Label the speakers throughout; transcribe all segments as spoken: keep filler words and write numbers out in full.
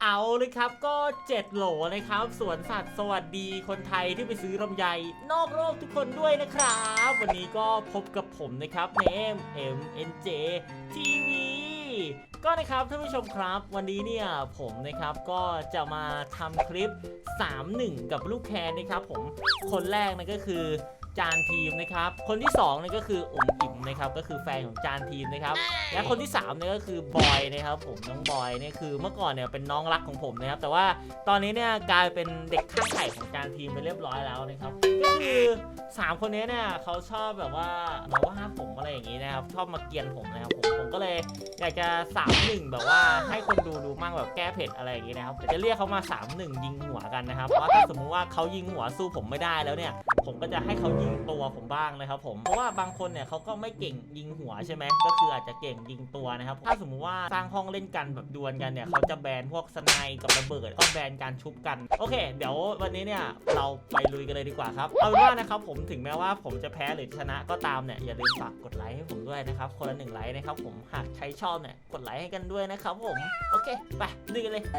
Speaker 1: เอาเลยครับก็เจ็ดโหลนะครับสวนสัตว์สวัสดีคนไทยที่ไปซื้อลำไยนอกโลกทุกคนด้วยนะครับวันนี้ก็พบกับผมนะครับเนม เอ็ม เอ็น เจ ที วี ก็นะครับท่านผู้ชมครับวันนี้เนี่ยผมนะครับก็จะมาทำคลิป สามหนึ่ง กับลูกแคนนะครับผมคนแรกนั่นก็คือจานทีมนะครับคนที่สองนี่ก็คืออุ๋มอิ๋มนะครับก็คือแฟนของจานทีมนะครับและคนที่สามเนี่ยก็คือบอยนะครับผมน้องบอยเนี่ยคือเมื่อก่อนเนี่ยเป็นน้องรักของผมนะครับแต่ว่าตอนนี้เนี่ยกลายเป็นเด็กข้างไข่ของจานทีมไปเรียบร้อยแล้วนะครับก็คือสามคนนี้เนี่ยเขาชอบแบบว่ามาว่าผมอะไรอย่างนี้นะครับชอบมาเกลียนผมนะครับผมผมก็เลยอยากจะสามหนึ่งแบบว่าให้คนดูดูมั่งแบบแก้เผ็ดอะไรอย่างนี้นะครับจะเรียกเขามาสามหนึ่งยิงหัวกันนะครับเพราะถ้าสมมุติว่าเขายิงหัวสู้ผมไม่ได้แล้วเนี่ยผมก็จะให้เขายิงตัวผมบ้างนะครับผมเพราะว่าบางคนเนี่ยเขาก็ไม่เก่งยิงหัวใช่ไหมก็คืออาจจะเก่งยิงตัวนะครับถ้าสมมุติว่าสร้างห้องเล่นกันแบบดวลกันเนี่ยเขาจะแบนพวกสไนกับระเบิดก็แบนการชุบกันโอเคเดี๋ยววันนี้เนี่ยเราไปลุยกันเลยดีกว่าครับเอาเป็นว่านะครับผมถึงแม้ว่าผมจะแพ้หรือชนะก็ตามเนี่ยอย่าลืมฝากกดไลค์ให้ผมด้วยนะครับคนละหนึ่งไลค์นะครับผมหากใครชอบเนี่ยกดไลค์ให้กันด้วยนะครับผมโอเคไปลุยกันเลย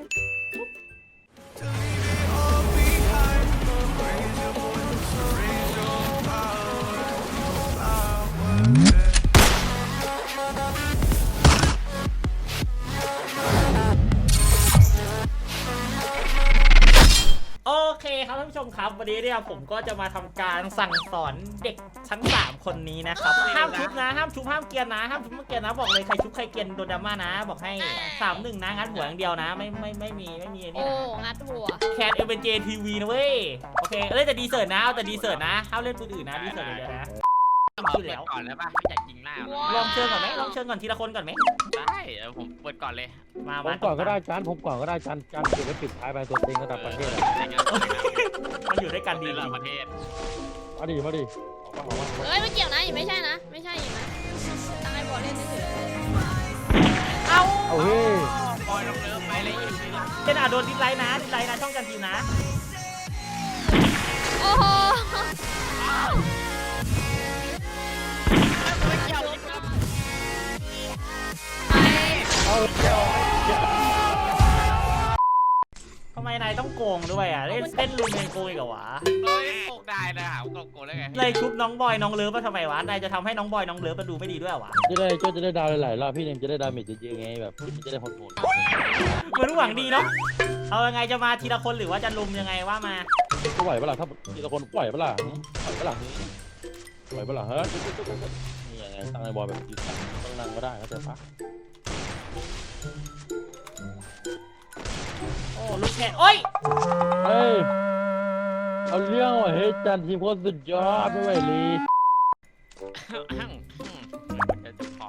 Speaker 1: โอเคครับท่านผู้ชมครับวันนี้เนี่ยผมก็จะมาทำการสั่งสอนเด็กชั้นสามคนนี้นะครับห้ามชุบนะห้ามชุบห้ามเกียร์นะห้ามชุบห้ามเกียร์นะบอกเลยใครชุบใครเกียร์โดนดราม่านะบอกให้สามหนึ่งนะงัดหัวอย่างเดียวนะไม่ไม่ไม่มีไม่มีนี่
Speaker 2: โอ้
Speaker 1: นะ
Speaker 2: งัดหัว
Speaker 1: แคทเอ็มเอ็นเจทีวีนะเว้ยโอเคเล่นแต่ดีเซิร์ตนะเอาแต่ดีเซิร์ตนะห้ามเล่นปืนอื่นนะดีเซิร์ตอย่างเดียวนะ
Speaker 3: ขึ้นแล้วก่อนแล้วป่ะไม่อยากยิงหน้า
Speaker 1: ลองเชิญก่อนไหมลองเชิญก่อนทีละคนก่อนไหม
Speaker 3: ได้เออผมเปิดก่อนเลย
Speaker 1: มา
Speaker 4: ผมก่อนก็ได้จานผมก่อนก็ได้จานจานเก็บไว้ปิดท้ายไปตัวเต็งระดับประเทศอะ
Speaker 1: มาอยู่ด้วยกันดี
Speaker 3: ระดับประเทศ
Speaker 4: มาดิมาดิออกมาออกมา
Speaker 2: เอ้ยไม่เกี่ยวนะอีกไม่ใช่นะไม่ใช่อีกนะตั้งไอ้บอลเล่นเฉย
Speaker 1: เอา
Speaker 4: เอาเฮ้ย
Speaker 3: ปล่อยลงเริ่มไปเลย
Speaker 1: เจนอาโดนดิสไลน์นะดิสไลน์นะช่องกันทีมนะ
Speaker 2: โอ้โห
Speaker 4: เอา
Speaker 1: ทำไมนายต้องโกงด้วยอ่ะเล่นเล่นลุมยังโกงอีกเหรอวะ
Speaker 3: เฮ้ยโกงได้นะหาโกงโกงได้ไง
Speaker 1: เลยชุบน้องบอยน้องเลิฟมาทำไมวะนายจะทำให้น้องบอยน้องเลิฟมาดูไม่ดีด้วยวะ
Speaker 4: จะได้ก็จะได้ดาวหลายๆรอบพี่เนมจะได้ดาเมจเยอะๆไงแบบมันจะได้โหด
Speaker 1: เหมือนหวังดีเนาะเอายังไงจะมาทีละคนหรือว่าจะลุมยังไงว่ามา
Speaker 4: ๆก็ไหวปะล่ะถ้าทีละคนไหวปะล่ะไหวปะล่ะไหวปะล่ะเฮ้ยนี่ยังไงตั้งไอ้บอลแบบยืนตั้งต้องนั่งก็ได้เข้าใจปะ
Speaker 1: โอ้ลูกแค่โอ้ย
Speaker 4: เฮ้ยเอาเรื่องว่ะเฮ้ยจานทีมโคตรสุดยอดไม่ไหวเลย
Speaker 3: จะพอ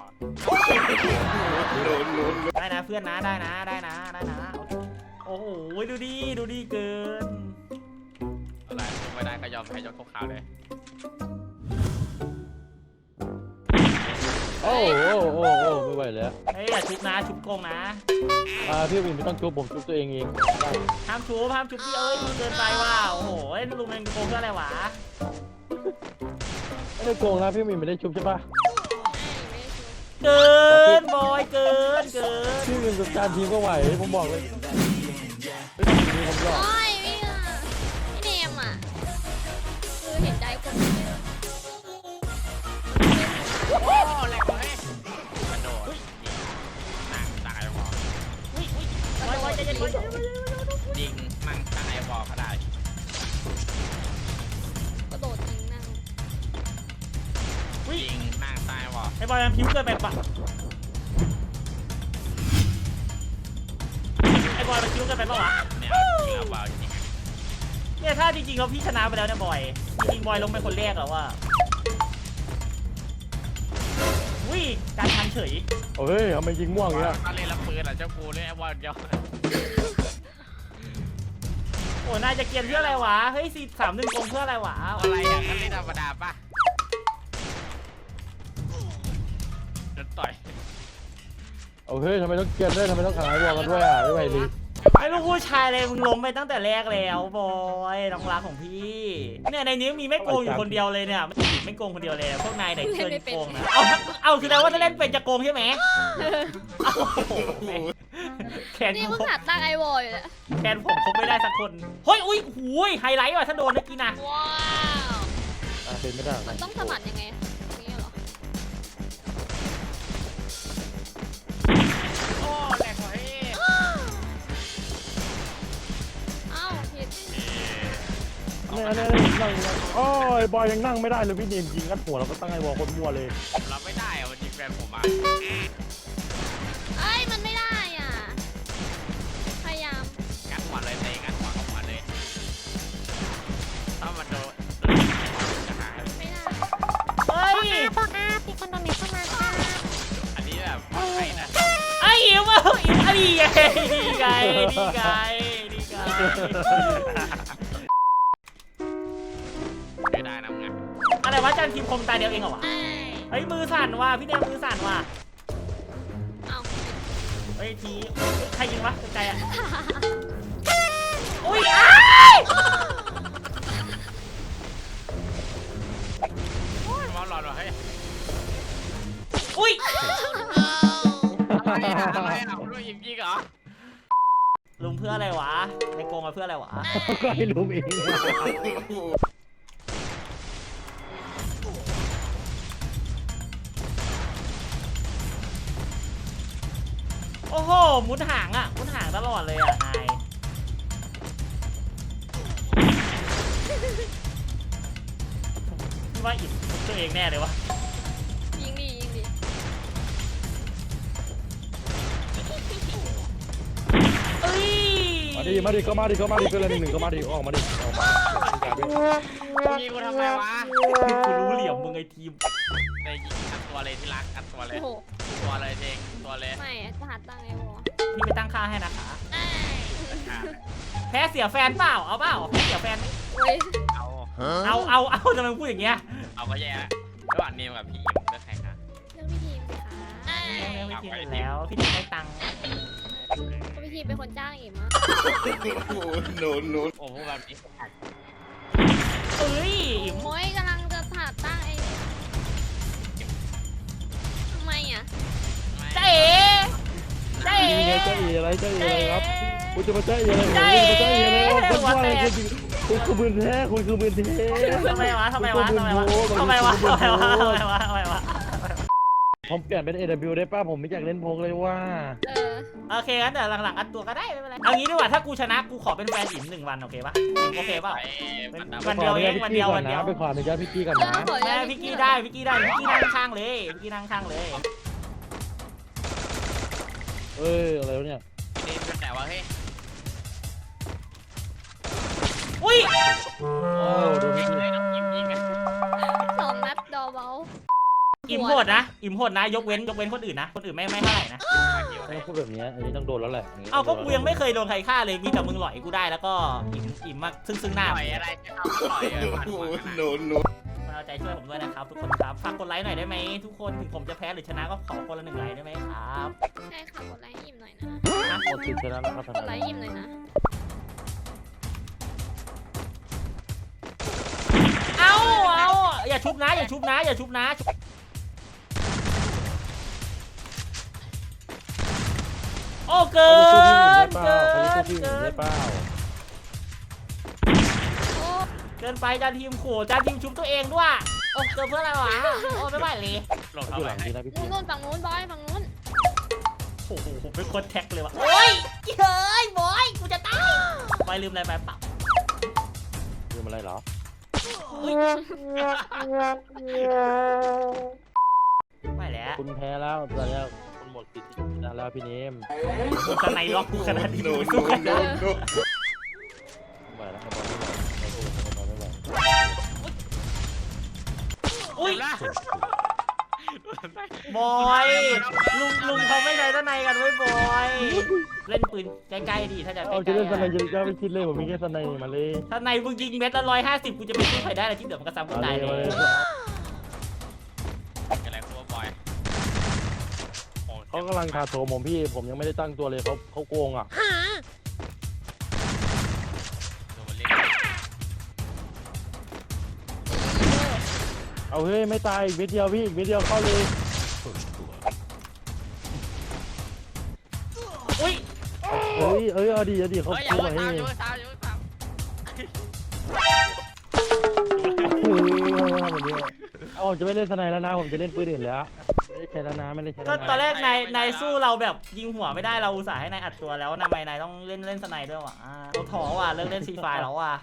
Speaker 1: ได้นะเพื่อนนะได้นะได้นะได้นะโอ้โหดูดีดูดีเกิน
Speaker 3: อะไรไม่ได้ก็ยอมแพ้ยกขาวเลย
Speaker 4: โอ้โอ้โอ้โอ้ไม่ไหวแล้ว
Speaker 1: เฮ้ยอย่าชุบนะชุบโกงนะ
Speaker 4: อ่าพี่วินไม่ต้องชุบผมชุบตัวเองเอง
Speaker 1: ห้ามชุบห้ามชุบพี่เอ้ยเกินไปว่ะโอ้โหเล่นลุมเป็นโกงเพื่ออะไรวะ
Speaker 4: ไม่ได้โกงนะพี่วินไม่ได้ชุบใช่ปะ
Speaker 1: เกินบอยเกินเกิน
Speaker 4: พี่วินกับจานทีมก็ไหวผมบอกเลยไม่ต้องมีผมหรอก
Speaker 2: โอ้ยพี่อ่ะพี่เนมอ่ะคือเห็นใจคน
Speaker 3: โอ้แหลกเลยกระโดดนั่งตายบอล
Speaker 1: บอยบอยใจเย็นบอย
Speaker 3: ยิงนั่งตั้งไอ้บอลก็ได้
Speaker 2: กระโดดยิงนั่ง
Speaker 3: ยิงนั่งตายบอล
Speaker 1: ไอ้บอยมันพิ้วเกินไปปะไอ้บอยมันพิ้วเกินไปปะวะ
Speaker 3: เนี่ยยิงเอาบอลจริง
Speaker 1: เนี่ยถ้าจริงๆเราพี่ชนะไปแล้วเนี่ยบอยจริงๆบอยลงเป็นคนแรกแล้วว่าวิ่งการทันเฉย
Speaker 4: เฮ้ยทำไมยิงม่วงอย่างเงี้ย
Speaker 3: ก็เล่นละปืนอ่ะเจ้ากูเล่นไอ้บอลเดียว
Speaker 1: โอ้นายจะเกียนเพื่ออะไรวะเฮ้ยสี่สามหนึ่งโกงเพื่ออะไรวะ
Speaker 3: อะไรอ่ะก็เล่นธรรมดาป่ะโดนต่อย
Speaker 4: เอาเฮ้ยทำไมต้องเกลียนด้วยทำไมต้องขายบอลกันด้วยอ่ะไม่ไหวเลย
Speaker 1: ไอ้ลูกผู้ชายเลยมึงล้มไปตั้งแต่แรกแล้วบอยน้องรักของพี่เนี่ยในนี้มีไม่โกงอยู่คนเดียวเลยเนี่ยมันติดไม่โกงคนเดียวเลยพวกนายไหนเชิญโกงนะเอาเอาคือแปลว่าถ้าเล่นเป็นจะโกงใช่ไหมแขน
Speaker 2: นี่
Speaker 1: กู
Speaker 2: เพิ่งหัดตั้งไอวอลอยู่แหละ
Speaker 1: แขนผมคงไม่ได้สักคนเฮ้ยอุ้ยหูยไฮไลท์ว่ะถ้าโดนเมื่อกี้นะ
Speaker 2: ว้าว
Speaker 4: อ่ะเป็นไม่ได้
Speaker 2: มันต้องสะบัดยังไงอย่างเงี้ยเหรอ
Speaker 3: โอ้แหลกว่ะเฮ้ย
Speaker 2: อ้าวผิด
Speaker 4: เนี่ยเนี่ยนั่งโอ้ยบอยยังนั่งไม่ได้เลยพี่เนมยิงกันหัวเราก็ตั้งไอ้วอลคนมัวเลย
Speaker 3: ผมรับไม่ได้อะมันยิงแฟนผมมา
Speaker 2: เอ้ยมันไม่ได้อ่ะพยายาม
Speaker 3: งัดหัวเลยเตะงัดหัวเข้าหัวเลยถ้ามันโดนจะหาย
Speaker 2: ไม่ได้
Speaker 1: เฮ้ย
Speaker 2: บอกอามีคนโดนเน็ตเข้ามาค่ะ
Speaker 3: อันนี้แบบปลอดภัยนะ
Speaker 1: ไอ้อิ๋วอ่ะอิ๋วดีไงดีไงดีไงดีไง
Speaker 3: ไม่ได้นะมึงอะ
Speaker 1: อะไรวะจันทีมคมตาเดียวเองเหรอวะ
Speaker 2: เอ้ย
Speaker 1: เฮ้ยมือสั่นว่ะพี่เดมมือสั่นว่ะ
Speaker 2: เอ้า
Speaker 1: เฮ้ยทีใครยิงวะไกลๆอ่ะอุ้ยอ้าย
Speaker 3: มอหลอดว่ะเฮ้ย
Speaker 1: อุ้ย
Speaker 3: อะไรอะอะไรอะผมรู้ยิงยิงเหรอ
Speaker 1: ลุมเพื่ออะไรวะในโกงมาเพื่ออะไรวะ
Speaker 4: ก็ให้รู้เอง
Speaker 1: โอ้โหมุดหางอ่ะมุดหางตลอดเลยอ่ะนายพี่ว่าอิดตัวเองแน่เลยวะ
Speaker 2: ยิงดียิงดี
Speaker 1: เอ้ย
Speaker 4: มาดิมาดิก็มาดิก็มาดิก็เลยหนึ่งหนึ่งก็มาดิออกมาดิออกมา
Speaker 3: ยิงกูทำไมวะ
Speaker 1: กูรู้เหลี่ยมมึงไอทีม
Speaker 3: ในยิงอัดตัวเลยที่รักอัดตัวเลย
Speaker 2: โอ้โห
Speaker 3: ตัวเลยเองตัวเลย
Speaker 2: ไม่อะจะหัดตั้งไอวอล
Speaker 1: พี่ไปตั้งค่าให้นะคะ
Speaker 2: เอ้ย
Speaker 1: แพ้เสียแฟนเปล่าเอาเปล่าแพ้เสียแฟน
Speaker 2: โอ้ย
Speaker 3: เอา
Speaker 1: เอาเอาเอาทำไมพูดอย่างเงี้ย
Speaker 3: เอาก็แย่ละระหว่างนิวกับพี่อิมเลือกใครคะ
Speaker 2: เรื่องพี่ทีมสิคะเอ้ย
Speaker 1: เรื่องพี่ทีมอยู่แล้วพี่ทีมให้ตังค์
Speaker 2: ก็พี่ทีมเป็นคนจ้างอิมอะ
Speaker 3: โอ้พวกแบบนี้
Speaker 1: เอ้ยอิ๋ม
Speaker 2: โอ้ยกำลังจะหัดตั้งไอ้ทำไมอ่ะ
Speaker 1: เจ๊เจ๊
Speaker 4: ยิงไงเจ้าเอ๋อะไรเจ้าเอ๋อะไรครับคุณจะมาเจ้าเอ๋อะไร
Speaker 1: เจ๊
Speaker 4: คุณจะมาเจ้าเอ๋อะไรคุณว่าอะไรคุณคุณคือมือแท้คุณคือมือแท้
Speaker 1: ทำไมวะทำไมวะทำไมวะทำไมวะทำไมวะทำไมวะทำไมวะ
Speaker 4: ผมเปลี่ยนเป็น เอ ดับเบิลยู ได้ป่ะผมไม่อยากเล่นโพกเลยว่า
Speaker 2: เออ
Speaker 1: โอเคงั้นเดี๋ยวหลังๆอัดตัวก็ได้ไม่เป็นไรเอางี้ดีกว่าถ้ากูชนะกูขอเป็นแฟนอิ๋มหนึ่งวันโอเคปะโอเคเปล่า วันเดียวเองวันเดียววันเดียว
Speaker 4: ไปขออนุญาตพี่กี้ก่อน
Speaker 2: เออ
Speaker 4: นะ
Speaker 2: ขอ
Speaker 1: แม่พี่กี้ได้พี่กี้ได้พี่กี้นั่งข้างเลยพี่กี้นั่งข้างเลย
Speaker 4: เอ้ยอะไรวะเนี่ย
Speaker 3: นี่เป็นแต่ว่าเฮ้ย
Speaker 1: อุ้ย
Speaker 4: โอ้ดู
Speaker 3: ยิ
Speaker 4: พี่
Speaker 3: งเลยน้องยิงยิงกัน
Speaker 2: สองนัดดอเบล
Speaker 1: อิ๋มโหดนะอิ๋มโหดนะยกเว้นยกเว้นคนอื่นนะคนอื่นไม่ไม่เท่าไหร่นะ
Speaker 4: ไม่พูดแบบนี้อันนี้ต้องโดนแล้วแหละ
Speaker 1: เอาก็กูยังไม่เคยโดนใครฆ่าเลยมีแต่มึงหลอยกูได้แล้วก็อิ๋มอิ๋มมาซึ่งซึ่งหน้า
Speaker 3: ต่อยอะไรจะเอาต่อยเออผ่านหัวกันนะ
Speaker 1: มาเอาใจช่วยผมด้วยนะครับทุกคนครับฝากกดไลค์หน่อยได้ไหมทุกคนถึงผมจะแพ้หรือชนะก็ขอคนละหนึ่งไลค์ได้ไหมครับ
Speaker 2: ใช่ค่ะกดไลค์ให้อิมหน่อยนะ
Speaker 1: นะ
Speaker 4: โคตรติดชนะแล้วครับ
Speaker 2: กดไลค์ให้อิมหน่อยนะ
Speaker 1: เอาเอาอย่าชุบนะอย่าชุบนะอย่าชุบนะโอ้เกินเกินเกิน
Speaker 4: เปล่า
Speaker 2: โอ้
Speaker 1: เกินไปจานทีมขู่จานทีมชุบตัวเองด้วยโอ้เกินเพื่ออะไรวะโอ้ไม่ไหวเลย
Speaker 3: หลบ
Speaker 4: อ
Speaker 3: เท่า
Speaker 4: ยู่
Speaker 3: ไห
Speaker 4: ห
Speaker 3: ร่
Speaker 4: ลังดีนะพี่
Speaker 2: นู่
Speaker 4: กี้
Speaker 2: นนู่นฝั่งนู้นบอยฝั่งนู้น
Speaker 1: โอ้โหเป็นคนแท็กเลยวะโอ้ยเฮ้ยบอยกูจะตายไปลืมอะไรไปเปล่า
Speaker 4: ลืมอะไรเหรอ
Speaker 1: ไม่แล้ว
Speaker 4: คุณแพ้แล้วตอนนี้คุณหมดสิทธิ์ที่จะชนะแล้วพี่เนม
Speaker 1: มึงสไนล็อกกูขนาดนี้มึงสู้กันได้
Speaker 4: ไม่ไหวแล้วไม่ไหวไม่ไหวไม่ไหว
Speaker 1: อุ้ย
Speaker 3: ละ
Speaker 1: บอยลุงลุงเขาไม่ใช้สไนกันไว้บอยเล่นปืนใกล้ๆดีถ้าจะใก
Speaker 4: เอาจะ
Speaker 1: ล้
Speaker 4: เล่นสไน
Speaker 1: ๆ
Speaker 4: จะจะไม่คิดเลยผมมีแค่สไนมาเลย
Speaker 1: ถ้าในมึงยิงเม็ดละร้อยห้าสิบกูจะไปสู้ใครได้เลยที่เหลือมันก็ซ้ำกูตายเลย
Speaker 3: อะไรครัวบอย
Speaker 4: เขากำลังคาโถมผมพี่ผมยังไม่ได้ตั้งตัวเลยเขาเขาโกงอ่ะเอาเฮ้ยไม่ตายอีกเม็ดเดียวพี่อีกเม็ดเดียวเข้าเลย
Speaker 1: อุ้ย
Speaker 4: เอ้ยเอ้ยเอาดีเอาดีเขา
Speaker 3: เฮ้ยอย่า
Speaker 4: พูด
Speaker 3: เพิ่ง
Speaker 4: มาให้
Speaker 3: ตามอย่าเพิ่งตามอย่าเพิ่งตาม
Speaker 4: เฮ้ยทำแบบนี้เอาผมจะไม่เล่นสไนแล้วนะผมจะเล่นปืนอื่นแล้วไม่ได้ใช้แล้วนะไม่ได้ใช้
Speaker 1: ก็
Speaker 4: แล้ว
Speaker 1: ตอน
Speaker 4: นะ
Speaker 1: แรกนายนายสู้เราแบบยิงหัวไม่ได้เราอุตส่าห์ให้นายอัดตัวแล้วทำไมนายต้องเล่นเล่นสไนด้วยวะอ่าเราถอว่ะเลิกเล่นซีไฟแล้วว่ะ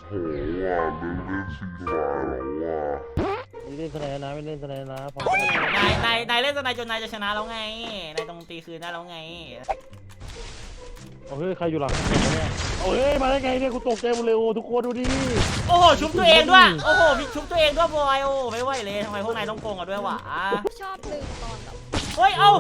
Speaker 4: ไม่เล่นสไนแล้วนะไม่เล่นสไนแล้วนะพอ
Speaker 1: นายนายนายเล่นสไนจนนายจะชนะแล้วไงนายต้องตีคืนได้แล้วไง
Speaker 4: เอาเฮ้ยใครอยู่หลังผมเนี่ยเอาเฮ้ยมาได้ไงเนี่ยกูตกใจหมดเลยโอ้ทุกคนดูดิ
Speaker 1: โอ้โหชุบตัวเองด้วยโอ้โหมีชุบตัวเองด้วยบอยโอ้ไม่ไหวเลยทำไมพวกนายต้องโกงกันด้วยวะ
Speaker 2: ชอบลืมตอนแบบ
Speaker 1: เฮ้ยเอา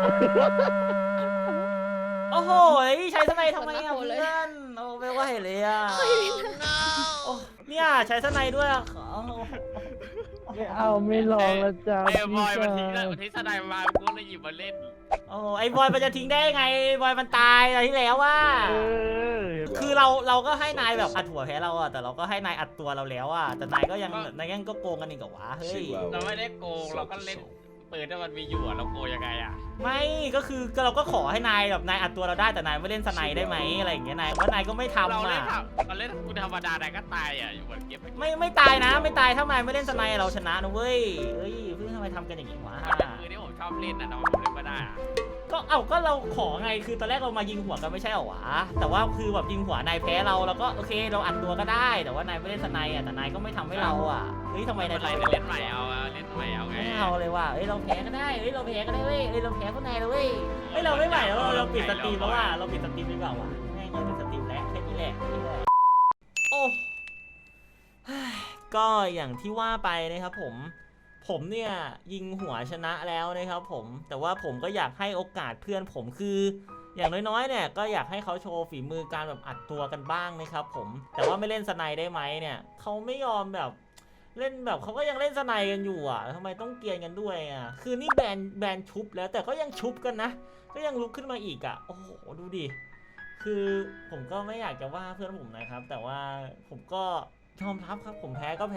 Speaker 1: โอ้โหใช้สไนทำไมอ่ะเพื่อนโอ้ไม่ไหวเลยอ่ะโอ้เนี่ยใช้สไนด้วยอ่ะ
Speaker 4: ไม่เอาไม่ลองแล้วจ้า
Speaker 3: ไอ้บอยมัน
Speaker 4: พี่
Speaker 3: ทิ้ง
Speaker 4: ชา
Speaker 3: มันทิ้งสไนมากูเลยหยิบมาเล่น
Speaker 1: โอ้ไอ้บอยมันจะทิ้งได้ไงบอยมันตายอะไรที่แล้วว่า
Speaker 4: เออ
Speaker 1: คือเราเราก็ให้นายแบบอัดหัวแพ้เราอะแต่เราก็ให้นายอัดตัวเราแล้วอะแต่นายก็ยังนายยังก็โกงกันอีกเหรอวะเฮ้ย
Speaker 3: เราไม่ได้โกงเราก็เล่นปืนที่มันมีอยู่อะเราโกงยังไงอะ
Speaker 1: ไม่ก็คือก็เราก็ขอให้นายแบบนายอัดตัวเราได้แต่นายไม่เล่นสไนได้ไหมอะไรอย่างเงี้ยนายว่านายก็ไม่ทำ
Speaker 3: เราเล่น
Speaker 1: อะ
Speaker 3: เราเล่นกูธรรมดานายก็ตายอะอยู่บนเก็บ
Speaker 1: ไม่ไม่ตายนะไม่ตายถ้านายไม่เล่นสไนเราชนะนะเว้ยเฮ้ยเพื่อนทำไมทำกันอย่างงี้วะ
Speaker 3: คือที่ผมชอบเล่นอะทำไมผมเล่นไม่ได้อะ
Speaker 1: ก็เอ้าก็เราขอไงคือตอนแรกเรามายิงหัวกันไม่ใช่เหรอวะแต่ว่าคือแบบยิงหัวนายแพ้เราแล้วก็โอเคเราอัดตัวก็ได้แต่ว่านายไม่เล่นสไนอะแต่นายก็ไม่ทำให้เราอะเฮ้ยทำไม
Speaker 3: ไม่
Speaker 1: นาย
Speaker 3: เป็นไร
Speaker 1: ทำ
Speaker 3: เล่นใหม่เอาเล่นใหม่เอาไง
Speaker 1: ไม่เอาเลยว่ะเฮ้ยเราแพ้ก็ได้เฮ้ยเราแพ้ก็ได้เว้ยเฮ้ยเราแพ้คนไหนเลยเว้ยเฮ้ยเราไม่ไหวแล้วเราเราปิดสตรีมแล้วว่ะเราปิดสตรีมดีกว่าว่ะง่ายๆปิดสตรีมแล้วแค่นี้แหละนี่แหละโอ้เฮ้ยก็อย่างที่ว่าไปนะครับผม ผมเนี่ยยิงหัวชนะแล้วนะครับผมแต่ว่าผมก็อยากให้โอกาสเพื่อนผมคือ อย่างน้อยๆเนี่ยก็อยากให้เขาโชว์ฝีมือการแบบอัดตัวกันบ้างนะครับผมแต่ว่าไม่เล่นสไนได้ไหมเนี่ยเขาไม่ยอมแบบเล่นแบบเขาก็ยังเล่นสไนกันอยู่อ่ะทำไมต้องเกรียนกันด้วยอ่ะคือนี่แบนแบนชุบแล้วแต่ก็ยังชุบกันนะก็ยังลุกขึ้นมาอีกอ่ะโอ้โหดูดิคือผมก็ไม่อยากจะว่าเพื่อนผมนะครับแต่ว่าผมก็ยอมรับครับผมแพ้ก็แพ้